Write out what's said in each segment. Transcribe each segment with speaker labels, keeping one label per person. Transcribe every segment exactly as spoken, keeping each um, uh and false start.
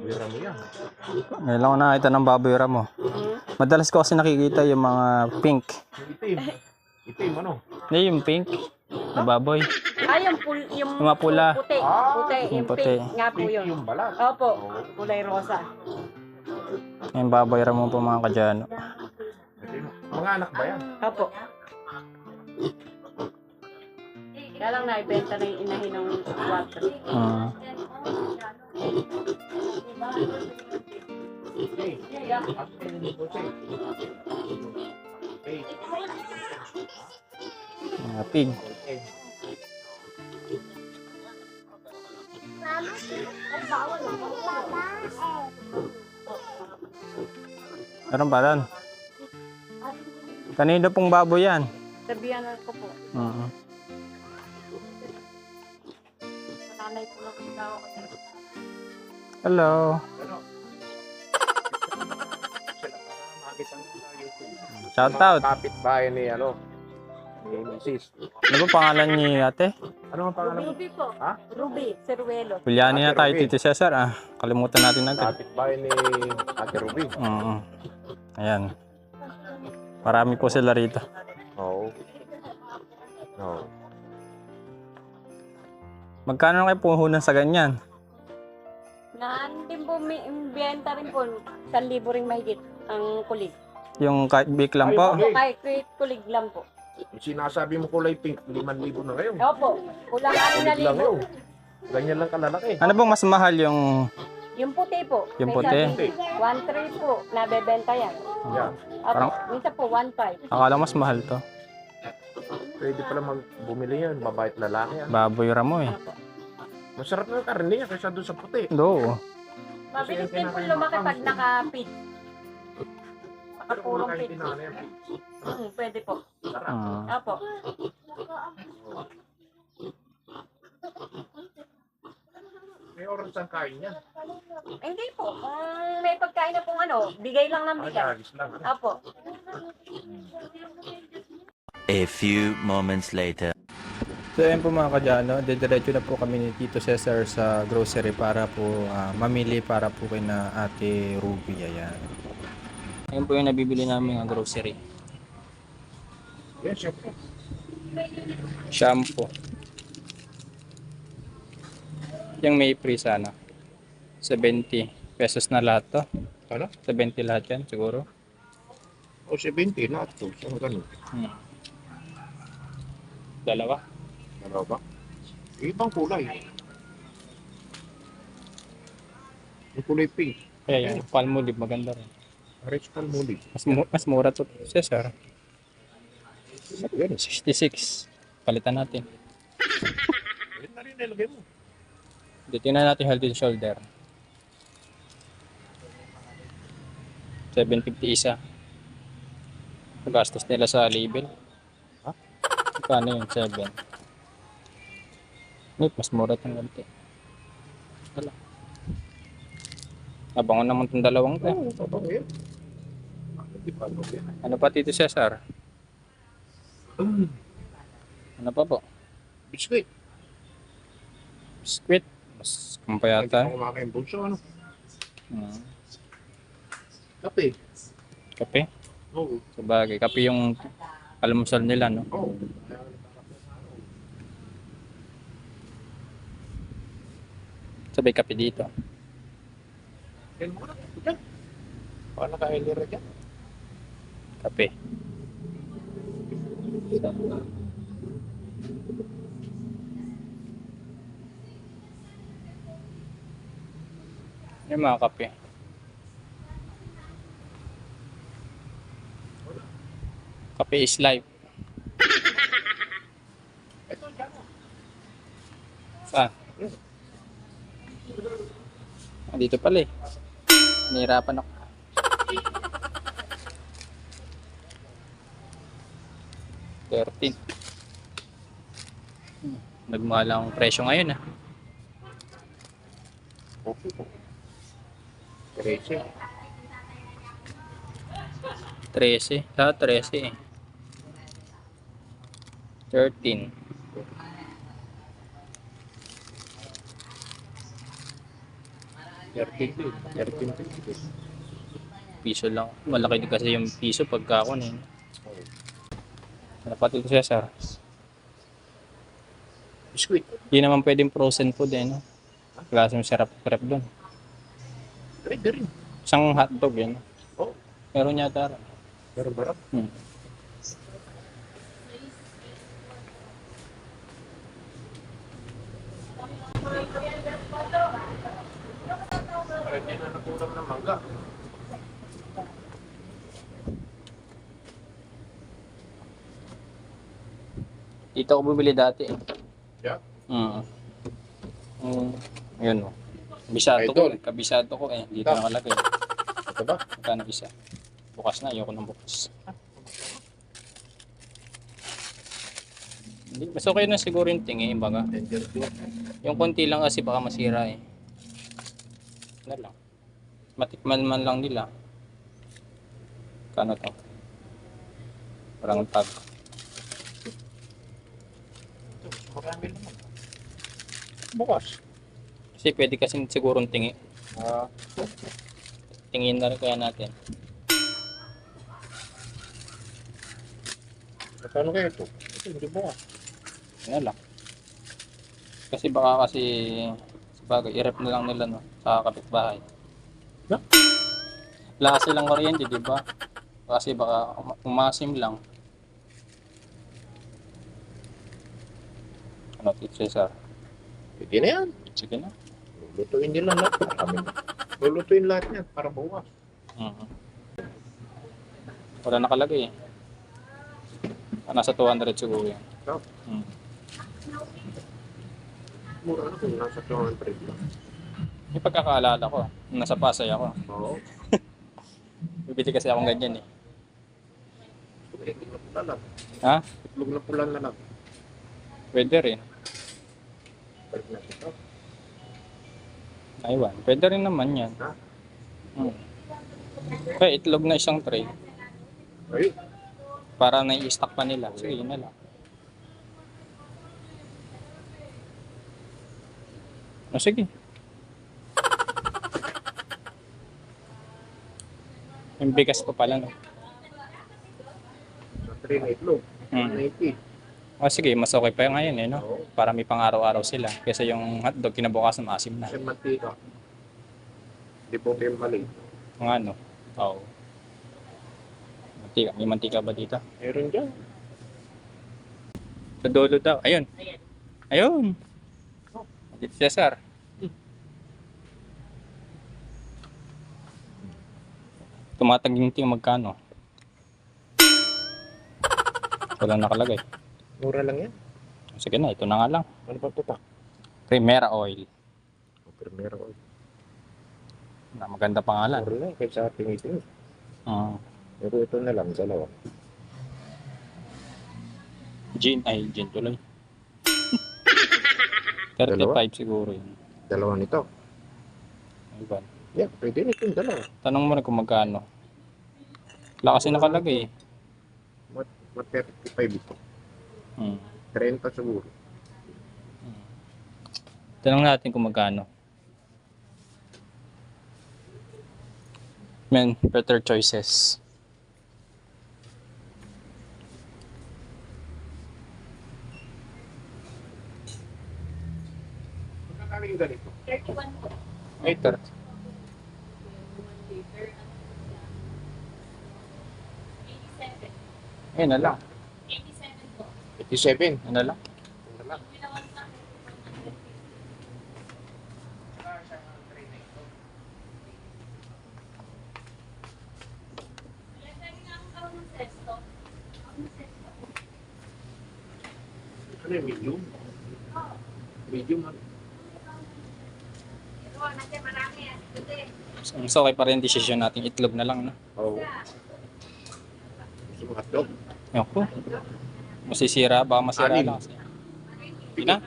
Speaker 1: baboy ramo yan.
Speaker 2: Ngayon lang ako nakita ng baboy ramo. Madalas ko kasi nakikita yung mga pink.
Speaker 1: Yung itim. Itim ano?
Speaker 2: Hindi, yung pink na baboy.
Speaker 3: Ah, yung, pul, yung,
Speaker 2: Yung mga pula.
Speaker 3: puti.
Speaker 1: Ah,
Speaker 3: puti.
Speaker 2: yung
Speaker 3: Yung
Speaker 2: puti.
Speaker 3: pink nga po
Speaker 1: Pink
Speaker 3: yun.
Speaker 1: yung balat.
Speaker 3: Opo. Kulay rosa.
Speaker 2: Yung baboy ramo po mga kadyano.
Speaker 1: Itim. Mga anak ba yan?
Speaker 3: Opo. Kaya lang naibenta na yung inahin ng water.
Speaker 2: Hmm.
Speaker 1: Hey. Asin yung puti. Hey.
Speaker 2: Mga pig.
Speaker 1: Hey.
Speaker 2: Meron ba doon? Kanino pong baboy yan?
Speaker 3: Sabihan ko po.
Speaker 2: Mhm.
Speaker 3: Nanay po lang yung tao.
Speaker 2: Hello.
Speaker 1: Ano? Sila para makita nyo sa YouTube.
Speaker 2: Shout out.
Speaker 1: Kapit bahay ni ano? Ni Missus
Speaker 2: Ano ba pangalan ni ate?
Speaker 1: Ano ang pangalan mo?
Speaker 3: Ruby po.
Speaker 1: Ha?
Speaker 3: Ruby. Ceruelo.
Speaker 2: Bilyani na
Speaker 1: Ate
Speaker 2: tayo,
Speaker 1: Ruby.
Speaker 2: Tito Cesar. Ah, kalimutan natin agad.
Speaker 1: Kapit bahay ni Ate Ruby.
Speaker 2: Mhm. Ayan. Marami po sila rito.
Speaker 1: Oo. Oo.
Speaker 2: Magkano kayo puhunan sa ganyan?
Speaker 3: Naan din po, may biyenta rin po. San libo ring mahigit ang kulig.
Speaker 2: Yung kahit big lang po?
Speaker 1: Ay,
Speaker 3: Opo, kahit kahit kulig lang po.
Speaker 1: Yung sinasabi mo kulay pink, limang libo na ngayon.
Speaker 3: Opo, kulang ano na
Speaker 1: Kulit lang
Speaker 3: libo.
Speaker 1: yun. Ganyan lang kalalaki.
Speaker 2: Ano bang mas mahal yung...
Speaker 3: Yung puti po.
Speaker 2: Yung
Speaker 3: may
Speaker 2: puti?
Speaker 3: sabi, one three po, nabebenta yan.
Speaker 1: Yan.
Speaker 3: Opo,
Speaker 2: Parang-
Speaker 3: minsan po one five.
Speaker 2: Akala mas mahal to.
Speaker 1: Pwede pala mag bumili yan, babae at lalaki yan.
Speaker 2: Baboy ramo eh.
Speaker 3: Opo.
Speaker 1: Masarap na yung karne niya kaysa doon sa puti.
Speaker 2: Do.
Speaker 3: Mabilis din po lumaki pag naka-feed.
Speaker 1: Pero kung
Speaker 3: Nakapulong
Speaker 1: kahit
Speaker 3: feed.
Speaker 1: tinana yan,
Speaker 3: Hmm, pwede po.
Speaker 1: sarap.
Speaker 2: Hmm.
Speaker 3: Opo.
Speaker 1: May oras ang kain yan.
Speaker 3: Hindi po. Kung may pagkain na pong ano, bigay lang ng
Speaker 1: Ah,
Speaker 3: bigay.
Speaker 1: agis lang. Ano?
Speaker 3: Opo.
Speaker 4: A few moments later.
Speaker 2: So ayun po mga kadyano, didiretso na po kami ni Tito Cesar sa grocery para po ah, mamili para po kay na ate Ruby. Ayan. Ayun po yung nabibili namin ng grocery.
Speaker 1: Yes, syempre.
Speaker 2: Shampoo. Yung may free sana. seventy pesos na lahat to.
Speaker 1: Ano?
Speaker 2: seventy lahat yan siguro.
Speaker 1: O seventy na ito. Saan ganun?
Speaker 2: Hmm. Dalawa.
Speaker 1: Ano ba? Ibang kulay. Yung kulay pink.
Speaker 2: Kaya yung Palmolive maganda rin.
Speaker 1: Rich Palmolive.
Speaker 2: Mas, mu- mas mura to, Cesar.
Speaker 1: Yan.
Speaker 2: sixty-six. Palitan natin.
Speaker 1: Yan na rin nilagay mo.
Speaker 2: Dito na natin Head and Shoulder. seven fifty isa. Gastos nila sa label.
Speaker 1: Ha?
Speaker 2: Kano yung seven? Wait, mas mura itong ganti. Wala. Abangon naman itong dalawang to.
Speaker 1: Oo, totoo yan. Hindi pa ano yan.
Speaker 2: Ano pa Tito Cesar? Ano pa po?
Speaker 1: Biscuit.
Speaker 2: Biscuit. Mas
Speaker 1: Hindi
Speaker 2: kumpayata.
Speaker 1: pa kumakain bunso. Ano?
Speaker 2: Hmm.
Speaker 1: Kape.
Speaker 2: Kape.
Speaker 1: Oo.
Speaker 2: Sabagay, kape yung almusal nila, no?
Speaker 1: Oo.
Speaker 2: Sabay kape dito.
Speaker 1: Yan mo na. Yan. Paano ka hilira dyan?
Speaker 2: Kape. Yung mga kape. Kape is life.
Speaker 1: Ito, dyan mo.
Speaker 2: Saan? Ah, dito pala eh. Nahirapan ako. thirteen. Hmm. Nagmahal ang presyo ngayon ah.
Speaker 1: Okay po. Trece.
Speaker 2: thirteen. Lahat thirteen eh. thirteen.
Speaker 1: thirteen din. thirteen fifty.
Speaker 2: Piso lang. Malaki din kasi yung piso pagka ako na yun. Dapat ito, Cesar.
Speaker 1: Biskuit.
Speaker 2: Hindi naman pwedeng frozen food eh, no? Klase yung sarap prep doon.
Speaker 1: Pwede rin.
Speaker 2: Isang hotdog yun.
Speaker 1: Oo.
Speaker 2: Meron yata.
Speaker 1: Pero barap.
Speaker 2: Hmm.
Speaker 1: Pwede na nakulang ng mangga.
Speaker 2: Dito ako bumili dati eh.
Speaker 1: Yeah.
Speaker 2: Mm. Mm. Yun o. Kabisado ko.
Speaker 1: Idol.
Speaker 2: eh. Kabisado ko eh. Dito
Speaker 1: Ito.
Speaker 2: nakalagay.
Speaker 1: Ito ba?
Speaker 2: Magkano isa? Bukas na. Ayoko ng bukas. Hindi. Mas okay na siguro yung tingi. Baga.
Speaker 1: Tender two.
Speaker 2: Yung konti lang kasi baka masira eh. Ano lang. Matikman man lang nila. Kano to? Parang tag.
Speaker 1: Ito, marami naman. Bukas.
Speaker 2: Kasi pwede kasi siguro tingi.
Speaker 1: Ah,
Speaker 2: Tingin na rin kaya natin.
Speaker 1: Magkano kaya ito? Ito, hindi bukas.
Speaker 2: Ano lang. Kasi baka kasi sabagay, i-rep na lang nila no, sa kapitbahay.
Speaker 1: Yeah.
Speaker 2: Wala kasi lang kuryente, di ba? Kasi baka um- umasim lang. Ano, Tito Cesar?
Speaker 1: Pwede na yan.
Speaker 2: Sige na.
Speaker 1: Lulutuin nila lahat. Marami na. Lulutuin lahat yan para bukas.
Speaker 2: Mhm. Wala nakalagay eh. Ah, nasa two hundred siguro yan.
Speaker 1: So,
Speaker 2: Hmm.
Speaker 1: mura na kung nasa two hundred lang.
Speaker 2: May pagkakaalala ko, nung nasa Pasay ako.
Speaker 1: Oo.
Speaker 2: Bibili kasi akong ganyan eh.
Speaker 1: Itlog na pula lang.
Speaker 2: Ha?
Speaker 1: Itlog na pula na lang.
Speaker 2: Pwede rin.
Speaker 1: Balik natin ito.
Speaker 2: Aywan. Pwede rin naman yan.
Speaker 1: Ha?
Speaker 2: Hmm. Kaya itlog na isang tray.
Speaker 1: Ayun.
Speaker 2: Para nai-stock pa nila. Sige, yun na lang. O sige. Yung bigas pa pala, no?
Speaker 1: Sa three na itlog.
Speaker 2: Hmm.
Speaker 1: one eighty.
Speaker 2: O sige, mas okay pa yung ngayon eh, no?
Speaker 1: Oo.
Speaker 2: Para may pang araw-araw sila. Kesa yung hotdog, kinabukasan maasim na.
Speaker 1: Kasi mantika. Hindi po kayo mali.
Speaker 2: Mga ano? Oo. Mantika. May mantika ba dito?
Speaker 1: Meron dyan.
Speaker 2: Sa dulo daw. Ayun. Ayun. Dito Cesar. Tumataginting magkano? Wala nakalagay.
Speaker 1: Mura lang yan.
Speaker 2: Sige na, ito na nga lang.
Speaker 1: Ano pa ito pa?
Speaker 2: Primera Oil.
Speaker 1: Primero oil.
Speaker 2: Na maganda pangalan.
Speaker 1: Mura lang kahit sa ating itin.
Speaker 2: Uh,
Speaker 1: Pero ito na lang, dalawa.
Speaker 2: gin, ay gin tuloy. thirty-five siguro yun.
Speaker 1: Dalawa nito.
Speaker 2: Ayun.
Speaker 1: Yeah, pwede nito yung dalawa.
Speaker 2: Tanong mo na kung magkano. Wala kasi nakalagay eh.
Speaker 1: What, what thirty-five ito?
Speaker 2: Hmm.
Speaker 1: thirty siguro.
Speaker 2: Tanong natin kung magkano. Men, better choices.
Speaker 1: Magkano yung ganito?
Speaker 3: thirty-one po.
Speaker 2: Ay, thirty.
Speaker 3: eighty-seven.
Speaker 2: Ayun na lang.
Speaker 3: eighty-seven po.
Speaker 1: eighty-seven.
Speaker 2: Ayun na lang.
Speaker 1: Ano lang?
Speaker 3: Ginawan sa akin. Wala tayo nga ang karoon ng sesto. Ang sesto.
Speaker 1: Ano yung medium? Medium ano?
Speaker 3: Ito, nandiyan marami yan. Ito eh.
Speaker 2: So, okay pa rin decision natin. Itlog na lang, no?
Speaker 1: Oo. Gusto mo hotdog?
Speaker 2: Ayun ko. Masisira, baka masira
Speaker 1: Anim.
Speaker 2: lang kasi. Hindi na.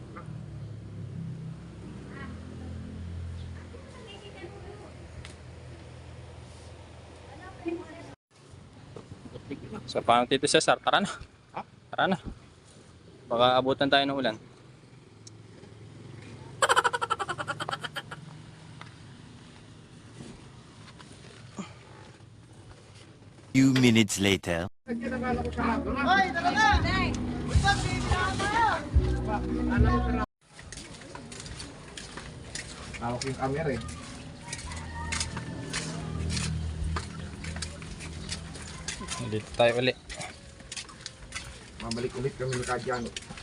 Speaker 2: So, paano Tito Cesar? Tara na.
Speaker 1: Ha?
Speaker 2: Tara na. Baka abutan tayo ng ulan.
Speaker 4: few minutes later.
Speaker 1: Hawak yung camera eh.
Speaker 2: Dito tayo uli.
Speaker 1: Mabalik ulit kami ni Kajan.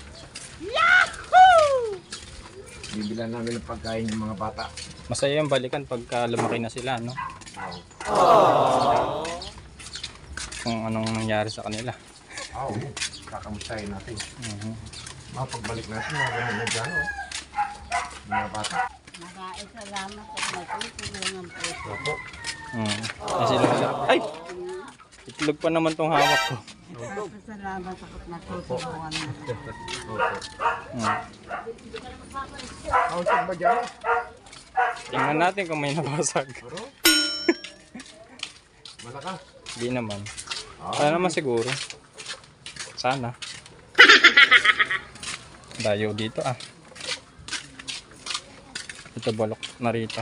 Speaker 1: Yahoo! Bibilan namin ng pagkain ng mga bata.
Speaker 2: Masaya yung balikan pagka lumaki na sila, no? Kung anong nangyari sa kanila.
Speaker 1: Oo, oh, kakamustahin natin.
Speaker 2: Mhm.
Speaker 1: Mapagbalik natin, mga ganun na dyan, oh. Mga bata.
Speaker 3: Maraming salamat sa natulungan po.
Speaker 1: Opo.
Speaker 2: Mm. Ay, sila sa... Ay! Itlog pa naman tong hawak ko.
Speaker 3: Salamat sa natulungan mo.
Speaker 1: Opo.
Speaker 2: Mm.
Speaker 1: Kausap ba dyan?
Speaker 2: Tingnan natin kung may nabasag.
Speaker 1: Puro? Malakas.
Speaker 2: Hindi naman. Sana naman siguro. Sana. Dayo dito ah. Ito balok na rito.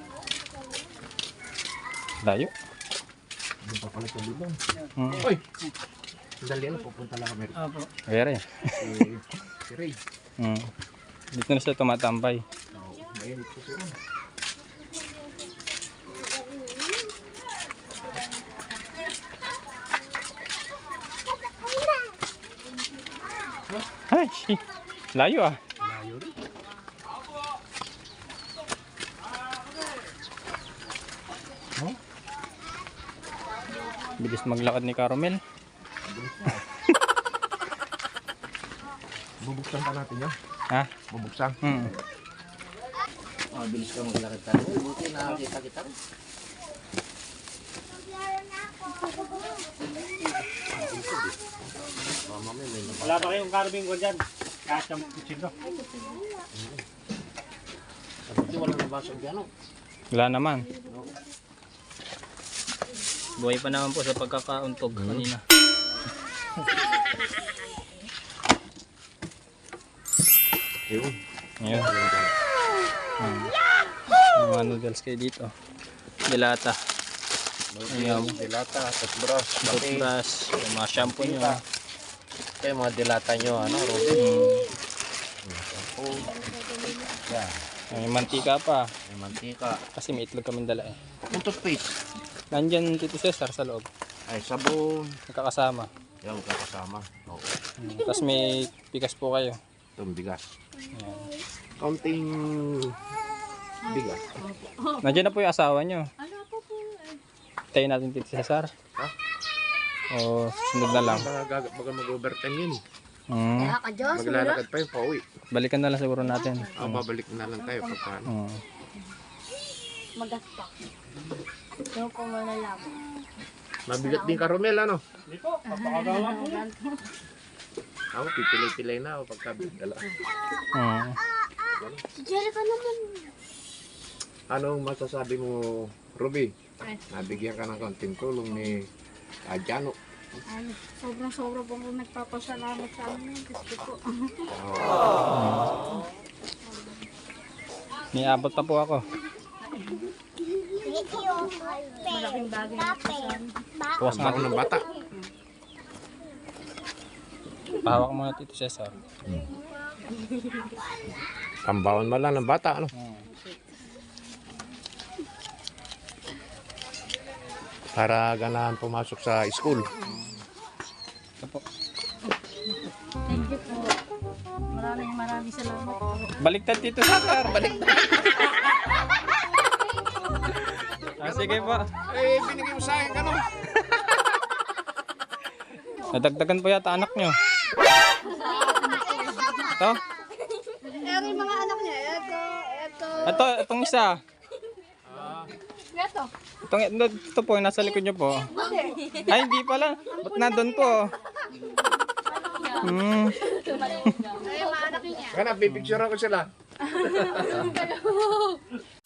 Speaker 2: Dayo.
Speaker 1: Doon pa pala sa bilong.
Speaker 2: Hmm.
Speaker 1: Uy! Sandali na, pupunta lang kami.
Speaker 3: Opo.
Speaker 2: Kaya
Speaker 1: Si, si Ray.
Speaker 2: Hmm. Dito na siya tumatambay.
Speaker 1: Oh, mainit ko siya.
Speaker 2: Ay! Layo ah.
Speaker 1: Layo rin. Oh,
Speaker 2: Bilis maglakad ni Carmel.
Speaker 1: bilis na. Bubuksan pa natin yan.
Speaker 2: Ha?
Speaker 1: Bubuksan.
Speaker 2: Hmm.
Speaker 1: Oh, bilis ka maglakad tayo. Buti nakakita kita rin.
Speaker 5: Wala ba kayong carving ko dyan? Kahit ang kutsilo.
Speaker 1: Sabi wala nabasag yan, oh.
Speaker 2: Wala naman. Buhay pa naman po sa pagkakauntog kanina.
Speaker 1: Ayun.
Speaker 2: Ngayon. Hmm. Mga noodles kayo dito. Dilata. Ayan.
Speaker 1: Dilata, toothbrush, pati.
Speaker 2: Toothbrush. Yung mga shampoo nyo.
Speaker 1: Kaya mga dilata nyo, ano, Robin?
Speaker 2: Hmm.
Speaker 1: Oh, yan.
Speaker 2: May mantika pa.
Speaker 1: May mantika.
Speaker 2: Kasi may itlog kaming dala eh.
Speaker 1: Yung toothpaste.
Speaker 2: Nandyan Tito Cesar sa loob.
Speaker 1: Ay, sabon.
Speaker 2: Nakakasama.
Speaker 1: Yan, magkakasama. Oo.
Speaker 2: Hmm. Tapos may pikas po kayo.
Speaker 1: Itong bigas.
Speaker 2: Ayan.
Speaker 1: Kaunting bigas.
Speaker 2: Nandiyan na po yung asawa nyo.
Speaker 3: Ano po po?
Speaker 2: Tayo natin Tito Cesar.
Speaker 1: Ha?
Speaker 2: O sunod na lang.
Speaker 1: Baga, baga mag-overtime yun.
Speaker 2: Hmm.
Speaker 1: Maglalakad pa yung pauwi.
Speaker 2: Balikan na lang siguro natin.
Speaker 1: Ah, babalik na lang tayo pagka.
Speaker 2: Hmm.
Speaker 3: Magaspak. Yung ko malalaman.
Speaker 1: Mabigat din ka, Romel, ano?
Speaker 5: Hindi po, papakagawa po.
Speaker 1: Ako, pipilay-pilay na ako pagka dala.
Speaker 2: Hmm.
Speaker 3: Si Jerica naman.
Speaker 1: Anong masasabi mo, Ruby? Nabigyan ka ng konting tulong ni Adjano.
Speaker 3: Ay, sobrang-sobra po po nagpapasalamat sa amin. Gusto po.
Speaker 2: May abot pa po ako.
Speaker 3: Malaking bagay na po sa amin.
Speaker 2: Bukas
Speaker 1: Ang
Speaker 2: nga.
Speaker 1: bako ng bata.
Speaker 2: Pahawak mo na Tito Cesar.
Speaker 1: Pambawon mo lang ng bata, ano?
Speaker 2: Hmm.
Speaker 1: Para ganahan pumasok sa school.
Speaker 2: Ito po.
Speaker 3: Thank you po. Maraming maraming salamat po.
Speaker 2: Baliktad Tito Cesar. Baliktad. Ah, sige po.
Speaker 1: Eh, binigay mo sa akin, ano?
Speaker 2: Nadagdagan po yata anak nyo. Ito?
Speaker 3: Pero yung mga anak niya, eto, eto.
Speaker 2: Ito, itong isa.
Speaker 3: Eto.
Speaker 2: Itong, ito po, yung nasa likod nyo po. Ay, hindi pala. Ba't nandun po? Hmm.
Speaker 3: Ay, mga anak niya.
Speaker 1: Kaya pipicture ako sila.